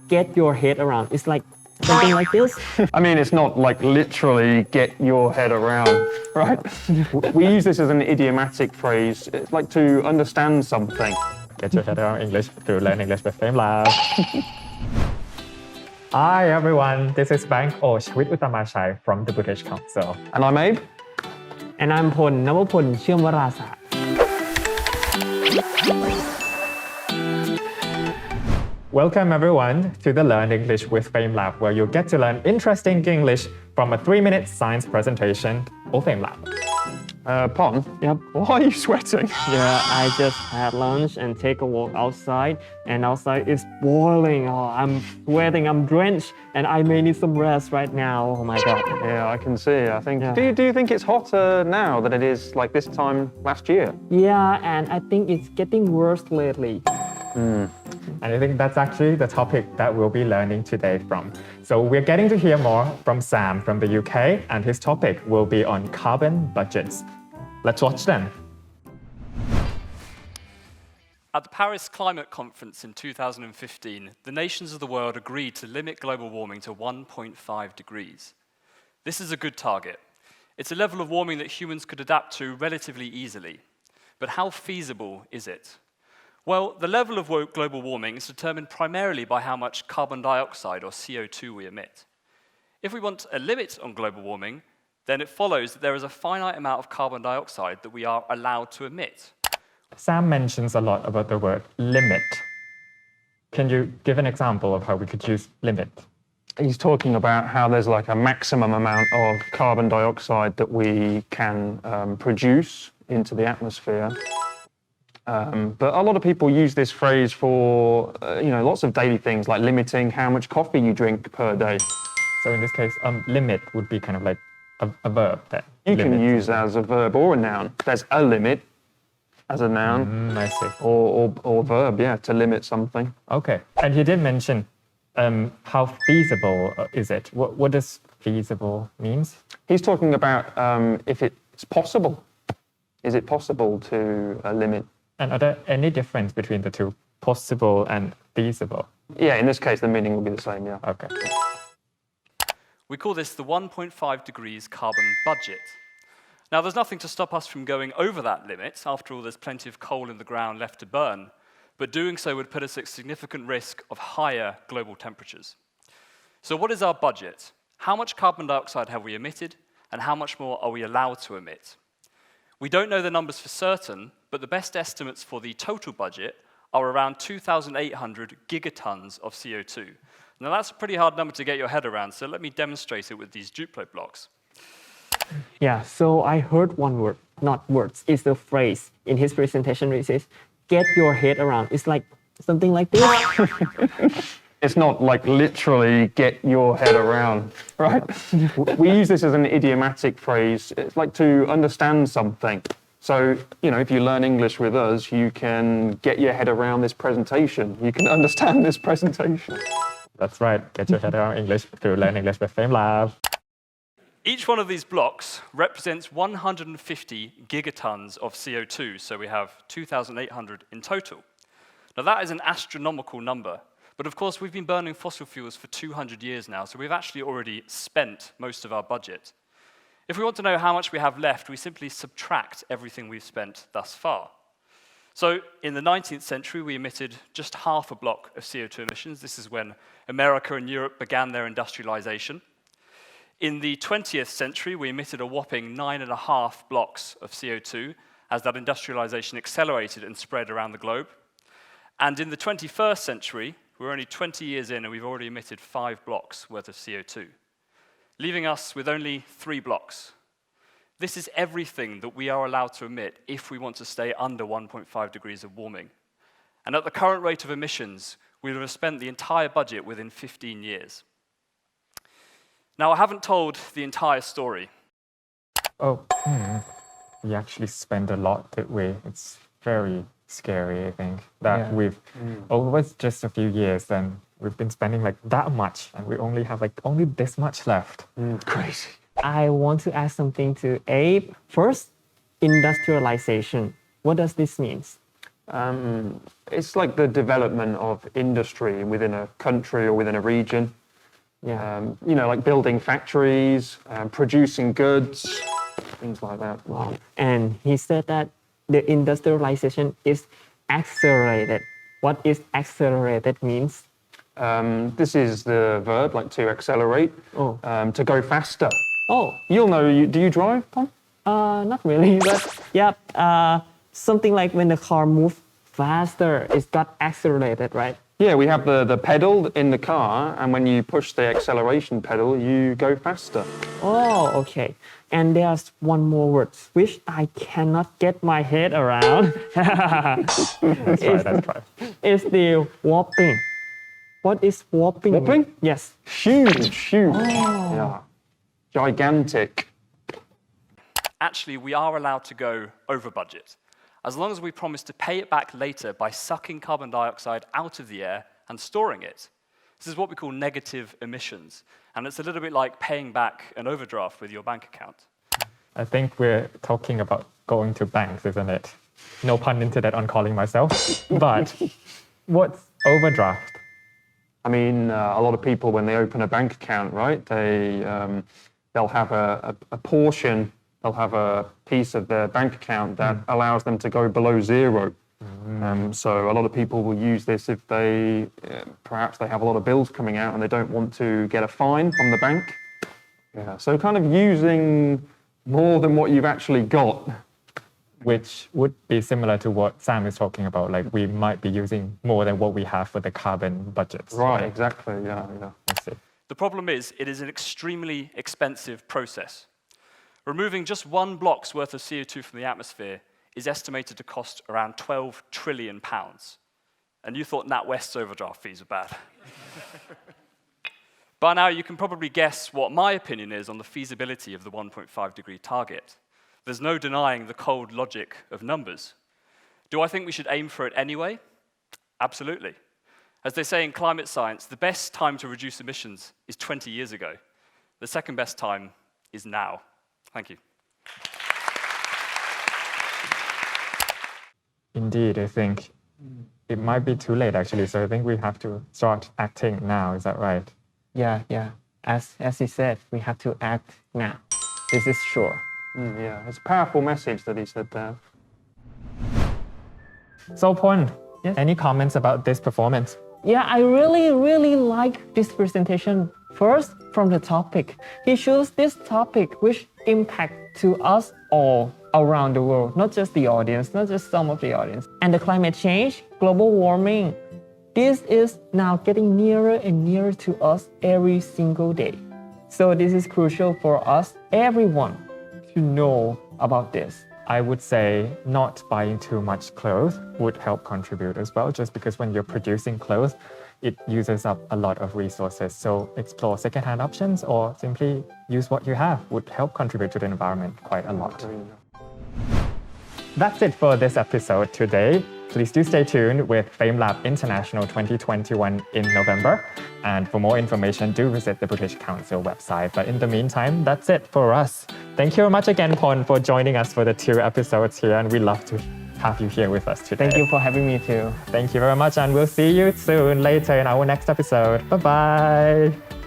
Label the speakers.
Speaker 1: get your head around. It's like something like this.
Speaker 2: I mean, it's not like literally get your head around, right? We use this as an idiomatic phrase. It's like to understand something.
Speaker 3: Get your head around English to learn English with Fame Lab. Hi everyone, this is Bank O Chwit Uttamachai from the British Council.
Speaker 2: And I'm Abe.
Speaker 1: And I'm พล นวพล เชื่อมวราศาสตร์
Speaker 3: Welcome everyone to the Learn English with Fame Lab, where you'll get to learn interesting English from a 3-minute science presentation of Fame Lab.
Speaker 2: Pon?
Speaker 1: Yep.
Speaker 2: Why are you sweating?
Speaker 1: Yeah, I just had lunch and take a walk outside, and outside is boiling. Oh, I'm sweating, I'm drenched, and I may need some rest right now. Oh my god.
Speaker 2: Yeah, I can see. I think.
Speaker 1: Yeah.
Speaker 2: Do you think it's hotter now than it is like this time last year?
Speaker 1: Yeah, and I think it's getting worse lately.
Speaker 3: And I think that's actually the topic that we'll be learning today from. So we're getting to hear more from Sam from the UK, and his topic will be on carbon budgets. Let's watch them.
Speaker 4: At the Paris Climate Conference in 2015, the nations of the world agreed to limit global warming to 1.5 degrees. This is a good target. It's a level of warming that humans could adapt to relatively easily. But how feasible is it? Well, the level of global warming is determined primarily by how much carbon dioxide, or CO2, we emit. If we want a limit on global warming, then it follows that there is a finite amount of carbon dioxide that we are allowed to emit.
Speaker 3: Sam mentions a lot about the word limit. Can you give an example of how we could use limit?
Speaker 2: He's talking about how there's like a maximum amount of carbon dioxide that we can produce into the atmosphere. But a lot of people use this phrase for, lots of daily things like limiting how much coffee you drink per day.
Speaker 3: So in this case, limit would be kind of like a verb that
Speaker 2: You can
Speaker 3: limits.
Speaker 2: use as a verb or a noun. There's a limit as a noun
Speaker 3: I see.
Speaker 2: or verb, yeah, to limit something.
Speaker 3: Okay. And he did mention how feasible is it? What does feasible means?
Speaker 2: He's talking about if it's possible. Is it possible to limit?
Speaker 3: And are there any difference between the two, possible and feasible?
Speaker 2: Yeah, in this case, the meaning will be the same, yeah.
Speaker 3: Okay.
Speaker 4: We call this the 1.5 degrees carbon budget. Now, there's nothing to stop us from going over that limit. After all, there's plenty of coal in the ground left to burn. But doing so would put us at significant risk of higher global temperatures. So what is our budget? How much carbon dioxide have we emitted, and how much more are we allowed to emit? We don't know the numbers for certain, but the best estimates for the total budget are around 2,800 gigatons of CO2. Now, that's a pretty hard number to get your head around, so let me demonstrate it with these Duplo blocks.
Speaker 1: Yeah, so I heard one word, not words, it's the phrase in his presentation where he says, get your head around. It's like something like this.
Speaker 2: It's not like literally get your head around, right? We use this as an idiomatic phrase. It's like to understand something. So, if you learn English with us, you can get your head around this presentation. You can understand this presentation.
Speaker 3: That's right. Get your head around English to learn English with Fame Lab.
Speaker 4: Each one of these blocks represents 150 gigatons of CO2, so we have 2,800 in total. Now, that is an astronomical number. But of course, we've been burning fossil fuels for 200 years now, so we've actually already spent most of our budget. If we want to know how much we have left, we simply subtract everything we've spent thus far. So in the 19th century, we emitted just half a block of CO2 emissions. This is when America and Europe began their industrialization. In the 20th century, we emitted a whopping 9.5 blocks of CO2 as that industrialization accelerated and spread around the globe. And in the 21st century, we're only 20 years in and we've already emitted 5 blocks worth of CO2, leaving us with only 3 blocks. This is everything that we are allowed to emit if we want to stay under 1.5 degrees of warming. And at the current rate of emissions, we will have spent the entire budget within 15 years. Now, I haven't told the entire story.
Speaker 3: We actually spend a lot that way. It's very scary, I think, that we've, over just a few years, then we've been spending like that much, and we only have like only this much left.
Speaker 2: Crazy.
Speaker 1: I want to ask something to Abe. First, industrialization. What does this mean?
Speaker 2: It's like the development of industry within a country or within a region.
Speaker 1: Yeah.
Speaker 2: Like building factories, producing goods, things like that.
Speaker 1: Wow. And he said that the industrialization is accelerated. What is accelerated means?
Speaker 2: This is the verb, like to accelerate,
Speaker 1: Oh.
Speaker 2: to go faster.
Speaker 1: Oh,
Speaker 2: You'll know, do you drive, Tom?
Speaker 1: not really, but yeah, something like when the car moves faster, it's got accelerated, right?
Speaker 2: Yeah, we have the pedal in the car, and when you push the acceleration pedal, you go faster.
Speaker 1: Oh, okay. And there's one more word which I cannot get my head around.
Speaker 3: That's right, that's right.
Speaker 1: It's the warping. What is warping?
Speaker 2: Warping?
Speaker 1: Yes.
Speaker 2: Huge. Yeah. Gigantic.
Speaker 4: Actually, we are allowed to go over budget, as long as we promise to pay it back later by sucking carbon dioxide out of the air and storing it. This is what we call negative emissions, and it's a little bit like paying back an overdraft with your bank account.
Speaker 3: I think we're talking about going to banks, isn't it? No pun intended on calling myself. But what's overdraft?
Speaker 2: I mean, a lot of people, when they open a bank account, right, they'll have a portion, they'll have a piece of their bank account that allows them to go below zero. So a lot of people will use this if perhaps they have a lot of bills coming out and they don't want to get a fine from the bank. Yeah, so kind of using more than what you've actually got.
Speaker 3: Which would be similar to what Sam is talking about. Like we might be using more than what we have for the carbon budgets.
Speaker 2: Right, exactly, yeah.
Speaker 3: I see.
Speaker 4: The problem is, it is an extremely expensive process. Removing just one block's worth of CO2 from the atmosphere is estimated to cost around £12 trillion. And you thought NatWest's overdraft fees were bad. By now, you can probably guess what my opinion is on the feasibility of the 1.5 degree target. There's no denying the cold logic of numbers. Do I think we should aim for it anyway? Absolutely. As they say in climate science, the best time to reduce emissions is 20 years ago. The second best time is now. Thank you.
Speaker 3: Indeed, I think it might be too late actually. So I think we have to start acting now. Is that right?
Speaker 1: Yeah. As he said, we have to act now. This is sure.
Speaker 2: Yeah, it's a powerful message that he said there.
Speaker 3: So Pon,
Speaker 1: Yes?
Speaker 3: any comments about this performance?
Speaker 1: Yeah, I really like this presentation. First, from the topic. He chose this topic which impact to us all around the world, not just the audience, not just some of the audience. And the climate change, global warming, this is now getting nearer and nearer to us every single day. So this is crucial for us, everyone, to know about this.
Speaker 3: I would say not buying too much clothes would help contribute as well, just because when you're producing clothes, it uses up a lot of resources. So explore secondhand options or simply use what you have would help contribute to the environment quite a lot. That's it for this episode today. Please do stay tuned with FameLab International 2021 in November. And for more information, do visit the British Council website. But in the meantime, that's it for us. Thank you very much again, Pon, for joining us for the 2 episodes here. And we love to have you here with us today.
Speaker 1: Thank you for having me too.
Speaker 3: Thank you very much. And we'll see you soon later in our next episode. Bye-bye.